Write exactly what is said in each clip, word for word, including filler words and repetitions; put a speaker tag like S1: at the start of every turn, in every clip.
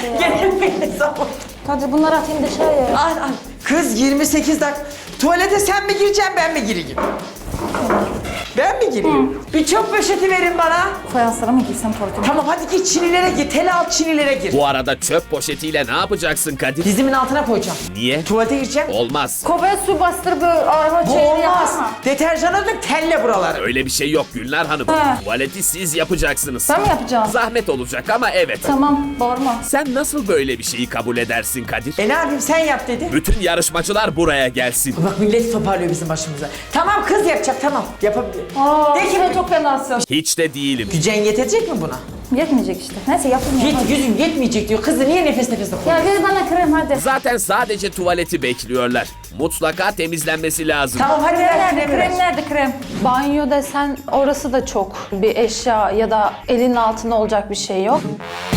S1: Gene zaman.
S2: Kadir bunları atayım dışarıya.
S1: Al al. Kız yirmi sekiz dakika. Tuvalete sen mi gireceksin ben mi gireyim? Ben mi gireyim? Bir çöp poşeti verin bana.
S2: Fayanslara mı giysem tuvaletime?
S1: Tamam hadi git çinilere gir. Tel alt çinilere gir.
S3: Bu arada çöp poşetiyle ne yapacaksın Kadir?
S1: Dizimin altına koyacağım.
S3: Niye?
S1: Tuvalete gireceğim.
S3: Olmaz.
S2: Kovaya su bastır böyle araba
S1: Bu
S2: çeyreği
S1: olmaz.
S2: yapma.
S1: Deterjana dök telle buraları.
S3: Öyle bir şey yok Gülnar Hanım.
S2: He.
S3: Tuvaleti siz yapacaksınız.
S2: Ben mi yapacağım?
S3: Zahmet olacak ama evet.
S2: Tamam bağırma.
S3: Sen nasıl böyle bir şeyi kabul edersin Kadir?
S1: E ne yapayım sen yap dedi.
S3: Bütün yarışmacılar buraya gelsin.
S1: Bak millet toparlıyor bizim başımıza. Tamam kız yapacak tamam. Yapabilir.
S2: Aa,
S1: De ki
S2: sen çok fenasın.
S3: Hiç de değilim.
S1: gücen yetecek mi buna?
S2: Yetmeyecek işte. Neyse yapayım.
S1: Yet,
S2: yapayım.
S1: yüzün yetmeyecek diyor. Kızı niye nefes nefese koyuyor?
S2: Ya ver bana krem hadi.
S3: Zaten sadece tuvaleti bekliyorlar. Mutlaka temizlenmesi lazım.
S1: Tamam hadi
S2: Krem
S1: ver
S2: nerede?
S1: kremi ver.
S2: Krem nerede krem? Banyo desen orası da çok bir eşya ya da elinin altında olacak bir şey yok.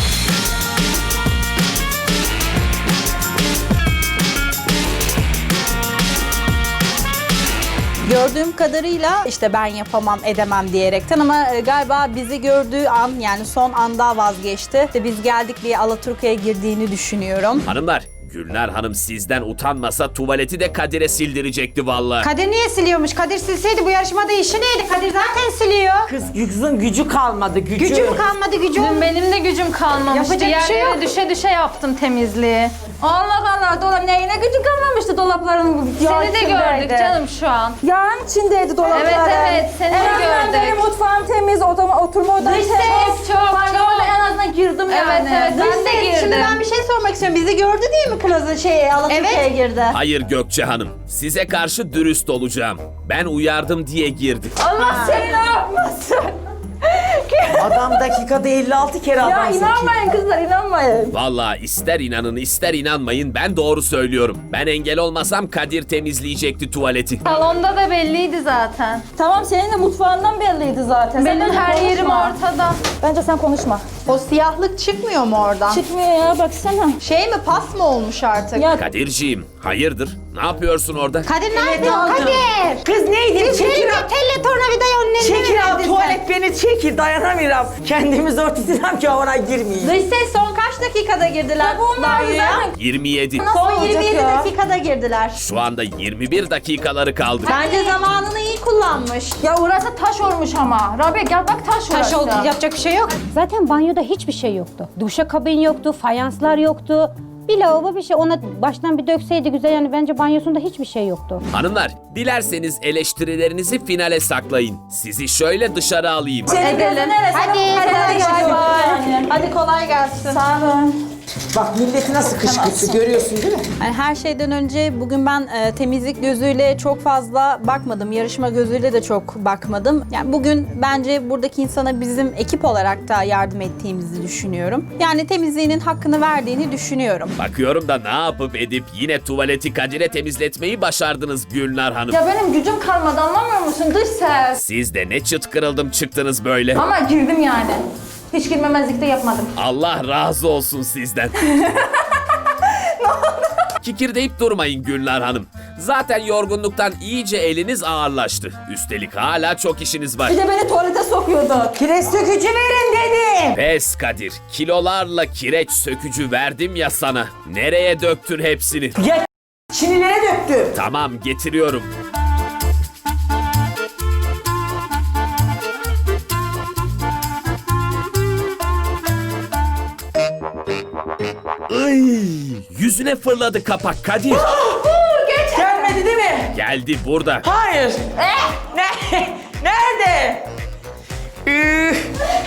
S4: Gördüğüm kadarıyla işte ben yapamam edemem diyerekten ama e, galiba bizi gördüğü an yani son anda vazgeçti. İşte biz geldik diye Alaturka'ya girdiğini düşünüyorum.
S3: Hanımlar, Gülnar Hanım sizden utanmasa tuvaleti de Kadir'e sildirecekti vallahi.
S5: Kadir niye siliyormuş? Kadir silseydi bu yarışmada işi neydi? Kadir zaten siliyor.
S1: Kız kızın gücü kalmadı gücü.
S5: Gücüm kalmadı gücüm.
S2: Dün benim de gücüm kalmamıştı.
S5: Yapacak bir şey
S2: Yerlere
S5: yok.
S2: düşe düşe yaptım temizliği.
S5: Allah Allah dolap neyine gücü kalmamıştı dolapların.
S2: Seni de gördük canım şu an.
S4: Yağın içindeydi dolapları.
S2: Evet evet seni de gördük.
S4: mutfağım temiz, odam, oturma odam
S5: Dış ses.
S2: Çok çok
S4: Banyoda
S2: çok.
S4: en azından girdim
S2: Evet
S4: yani.
S2: evet ben de
S5: Dış ses.
S2: girdim.
S5: Şimdi ben bir şey sormak istiyorum. Bizi gördü değil mi Plaza şey Alaturka'ya
S4: Evet.
S5: girdi?
S3: Hayır Gökçe Hanım, size karşı dürüst olacağım. Ben uyardım diye girdi.
S2: Allah seni ne yapmasın?
S1: Adam dakikada elli altı kere
S4: Ya
S1: adam sokuyor.
S4: inanmayın kızlar inanmayın.
S3: Vallahi ister inanın ister inanmayın ben doğru söylüyorum. Ben engel olmasam Kadir temizleyecekti tuvaleti.
S2: Salonda da belliydi zaten.
S4: Tamam senin de mutfağından belliydi zaten. Sen
S2: Benim
S4: bence
S2: her
S4: konuşma.
S2: yerim ortada.
S4: Bence sen konuşma.
S5: O siyahlık çıkmıyor mu oradan?
S4: Çıkmıyor ya baksana.
S5: Şey mi pas mı olmuş artık?
S4: Ya
S3: Kadirciğim, hayırdır? Ne yapıyorsun orada?
S5: Kadir ne
S1: Evet,
S5: yapıyorsun?
S1: aldım.
S5: Kadir!
S1: Kız neydi?
S5: Siz
S1: Çekil
S5: telle,
S1: al.
S5: telle tornavidayı onun eline
S1: Çekil
S5: mi
S1: al
S5: verdin sen?
S1: tuvalet beni çekil dayanamıyorum. Kendimiz ortasından ki ona girmeyeyim.
S5: Dış ses son kaç dakikada girdiler banyoya?
S3: yirmi yedi.
S5: Son
S4: olacak
S5: yirmi yedi
S4: ya?
S5: dakikada girdiler.
S3: Şu anda yirmi bir dakikaları kaldı.
S5: Bence zamanını iyi kullanmış.
S2: Ya orası taş olmuş ama. Rabia gel bak taş
S5: Taş
S2: orası.
S5: oldu yapacak bir şey yok.
S6: Zaten banyoda hiçbir şey yoktu. Duşakabin yoktu, fayanslar yoktu. Bir lavabo bir şey ona baştan bir dökseydi güzel yani bence banyosunda hiçbir şey yoktu.
S3: Hanımlar, dilerseniz eleştirilerinizi finale saklayın. Sizi şöyle dışarı alayım.
S4: senin gözün neresi?
S5: Hadi,
S4: Hadi,
S5: hadi,
S4: hadi,
S5: hadi. Hadi kolay gelsin.
S4: Sağ olun.
S1: Bak milleti nasıl kışkırttı görüyorsun değil mi?
S4: Yani her şeyden önce bugün ben e, temizlik gözüyle çok fazla bakmadım. Yarışma gözüyle de çok bakmadım. Yani bugün bence buradaki insana bizim ekip olarak da yardım ettiğimizi düşünüyorum. Yani temizliğinin hakkını verdiğini düşünüyorum.
S3: Bakıyorum da ne yapıp edip yine tuvaleti Kadir'e temizletmeyi başardınız Gülnar Hanım.
S2: Ya benim gücüm kalmadı anlamıyor musun? Dış ses.
S3: Siz de ne çıt kırıldım çıktınız böyle.
S2: Ama girdim yani. Hiç girmemezlik de yapmadım.
S3: Allah razı olsun sizden. Kikirdeyip durmayın Gülnar Hanım. Zaten yorgunluktan iyice eliniz ağırlaştı. Üstelik hala çok işiniz var.
S4: Bir de beni tuvalete sokuyordu.
S1: Kireç sökücü verin dedim.
S3: Pes Kadir, kilolarla kireç sökücü verdim ya sana. Nereye döktün hepsini?
S1: Ya çinilere döktü.
S3: Tamam, getiriyorum. Ay, yüzüne fırladı kapak Kadir.
S1: Gelmedi değil mi?
S3: Geldi burada.
S1: Hayır. Ne? Nerede? Üf.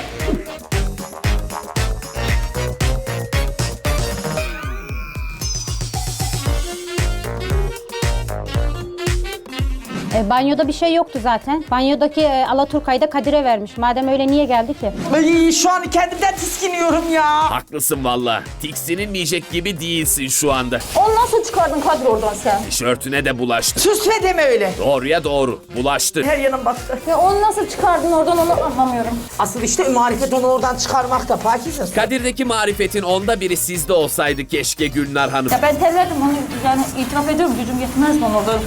S6: E, banyoda bir şey yoktu zaten. Banyodaki e, Alaturka'yı da Kadir'e vermiş. Madem öyle niye geldi ki?
S1: Ay, şu an kendimden tiskiniyorum ya.
S3: Haklısın valla. Tiksinilmeyecek gibi değilsin şu anda.
S4: Onu nasıl çıkardın Kadir oradan sen?
S3: Tişörtüne de bulaştı.
S1: Sus ve deme öyle.
S3: Doğruya doğru. Bulaştı.
S1: Her yanım battı.
S4: Ya onu nasıl çıkardın oradan onu anlamıyorum.
S1: Asıl işte marifet onu oradan çıkarmakta Pakize.
S3: Kadir'deki marifetin onda biri sizde olsaydı keşke Gülnar Hanım.
S4: Ya ben terledim onu yani itiraf ediyorum gücüm yetmez bana orada.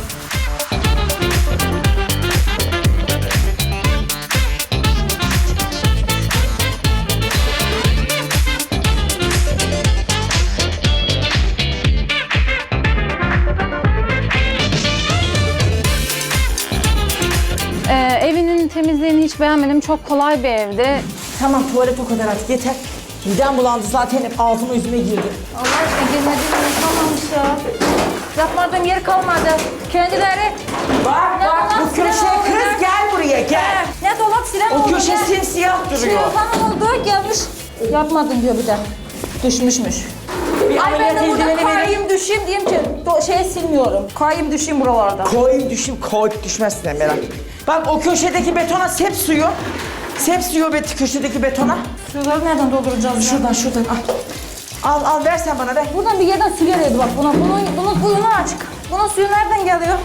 S2: çok kolay bir evdi.
S1: Tamam tuvalet o kadar artık yeter. Midem bulandı zaten hep ağzıma yüzüme girdi.
S7: Allah aşkına girmediğim yer kalmamış ya. Yapmadığım yer kalmadı. Kendileri
S1: Bak
S7: Ne
S1: bak
S7: dolap,
S1: bu köşe
S7: silen oldu
S1: kız
S7: ne?
S1: gel buraya gel.
S7: ne dolap silen
S1: O
S7: oldu
S1: köşe
S7: ne?
S1: simsiyah
S7: Şey
S1: duruyor.
S7: falan oldu gelmiş. Yapmadın diyor bir de. Düşmüşmüş.
S1: Bir
S7: Ay ben
S1: ameliyat
S7: de burada
S1: eldiveni vereyim.
S7: kayayım düşeyim diyeyim ki do- şey silmiyorum. Kayayım düşeyim buralarda.
S1: Koyayım düşeyim koyup düşmezsin Emel Hanım. Bak o köşedeki betona sep suyu. Sep suyu bet köşedeki betona.
S7: Şuraları nereden dolduracağız ya?
S1: Şuradan şuradan al. Al al ver sen bana ver.
S7: Buradan bir yerden su geliyordu bak buna. Bunun, bunun kuyunu açık. Bunun suyu nereden geliyor?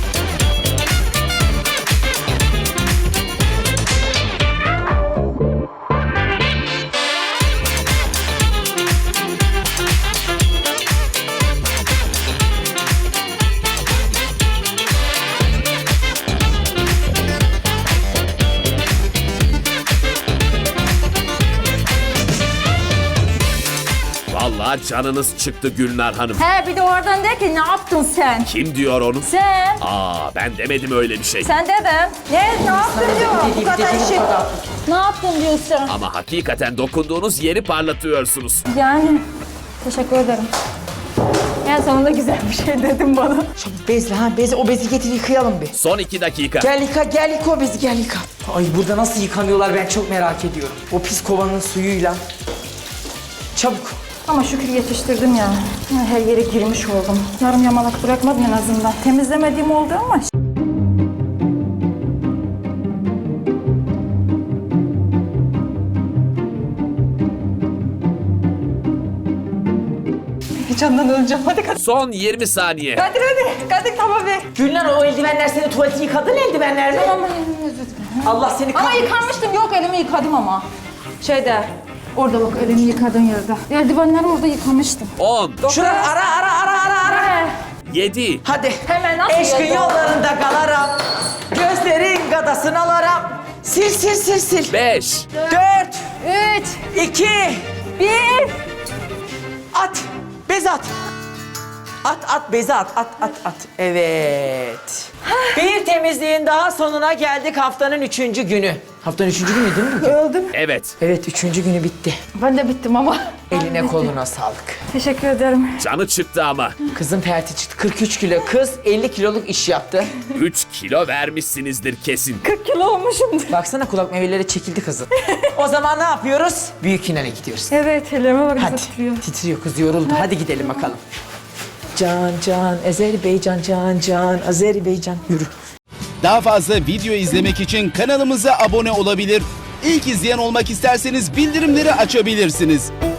S3: Vallahi canınız çıktı Gülnar Hanım.
S7: He bir de oradan der ki ne yaptın sen?
S3: Kim diyor onu?
S7: Sen.
S3: Aa ben demedim öyle bir şey.
S7: Sen dedin. Ne, ne yaptın diyor. Bu kadar işi. Ne yaptın diyorsun?
S3: Ama hakikaten dokunduğunuz yeri parlatıyorsunuz.
S7: Yani teşekkür ederim. En sonunda güzel bir şey dedim bana.
S1: Çabuk bezle ha bezi o bezi getir yıkayalım bir.
S3: Son iki dakika.
S1: Gel yıka gel yıka o bezi gel yıka. Ay burada nasıl yıkanıyorlar ben çok merak ediyorum. O pis kovanın suyuyla. Çabuk.
S7: Ama şükür yetiştirdim ya. Her yere girmiş oldum. Yarım yamalak bırakmadım en azından. Temizlemediğim oldu ama. Heyecandan öleceğim. Hadi Kadir.
S3: Son yirmi saniye.
S7: Kadir hadi. Kadir tamam be.
S1: Gülnar o eldivenler senin tuvaleti yıkadın eldivenler mi?
S7: Tamam elimi özür dilerim.
S1: Allah seni
S7: Ama
S1: kahretsin.
S7: yıkanmıştım. Yok elimi yıkadım ama. Şeyde. Orada bak elimi yıkadığın yerde. Eldivenleri orada yıkamıştım.
S3: on,
S1: Şurada ara ara ara ara ara.
S7: He.
S3: yedi,
S1: Hadi.
S7: Hemen nasıl
S1: Eşkın
S7: yazdı?
S1: yollarında kalarım. Gözlerin gadasını alarım. Sil sil sil sil.
S3: beş,
S1: Dört,
S7: Üç.
S1: iki,
S7: Bir.
S1: at. Bez at. At at bezi at at at at. Evet. Bir temizliğin daha sonuna geldik haftanın üçüncü günü. Haftanın üçüncü günü değil mi?
S7: Öldüm.
S3: evet.
S1: Evet üçüncü günü bitti.
S7: Ben de bittim ama.
S1: Eline koluna sağlık.
S7: Teşekkür ederim.
S3: Canı çıktı ama.
S1: Kızın perti çıktı. kırk üç kilo. Kız elli kiloluk iş yaptı.
S3: üç kilo vermişsinizdir kesin.
S7: kırk kilo olmuşum.
S1: Baksana kulak memeleri çekildi kızın. O zaman ne yapıyoruz? Büyük finale gidiyoruz.
S7: Evet ellerime bak
S1: Hadi.
S7: nasıl titriyor.
S1: Titriyor kız yoruldu. Hadi gidelim bakalım. Can can Azerbaycan can can Azerbaycan yürü.
S8: Daha fazla video izlemek için kanalımıza abone olabilir. İlk izleyen olmak isterseniz bildirimleri açabilirsiniz.